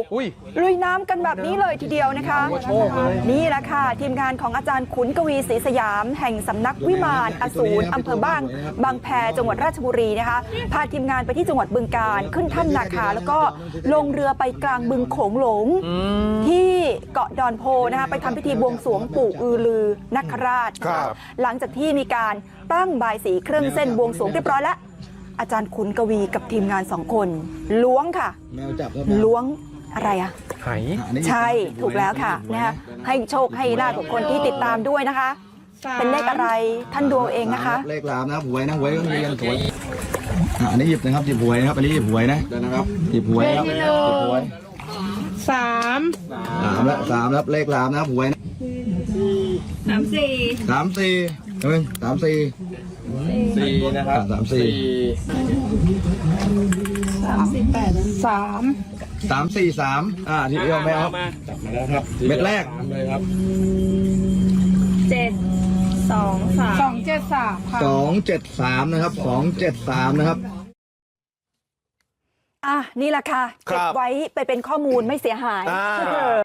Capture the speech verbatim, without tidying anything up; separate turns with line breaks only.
อุ้ย
ลุยน้ำกันแบบนี้เลยทีเดียวนะคะนี่แหละค่ะทีมงานของอาจารย์ขุนกวีศรีสยามแห่งสำนักวิมานอสูรอำเภอบ้างบางแพจังหวัดราชบุรีนะคะพาทีมงานไปที่จังหวัดบึงกาฬขึ้นถ้ำนาคาแล้วก็ลงเรือไปกลางบึงโขงหลงที่เกาะดอนโพนะคะไปทำพิธีบวงสรวงปู่อือลือนคราชหลังจากที่มีการตั้งบายสีเครื่องเส้นบวงสรวงเรียบร้อยแล้วอาจารย์ขุนกวีกับทีมงานสองคนล้วงค่ะล้วงอะไรอะ
ไห
ใช่ถูกแล้วค่ะนะคะให้โชคให้ลาภกับคนที่ติดตามด้วยนะคะเป็นเลขอะไรท่านดูเองนะคะ
เลขลามนะหวยนะหวยก็ยังสวยอันนี้หยิบนะครับหยิบหวยนะครับอันนี้หยิบหวยนะนะครับหยิบหวยครับหยิบหวย
สาม
สามแล้วสามแล้วเลขลามนะหวยนะ
สามสี่
สามสี่เฮ้ยสามสี่
สี่นะครับ
สามสี่
สามสี่แปดสาม
สามสี่สามอ่าที่เอวแมว
จับมาแล้วครับ
เม็ดแรก
เลยครับ
เจ็ดสองสามสองเจ็ดสาม
สองเจ็ดสามนะครับสองเจ็ดสามนะครับ
อ่ะนี่แหละค่ะเก็บไว้ไปเป็นข้อมูลไม่เสียหาย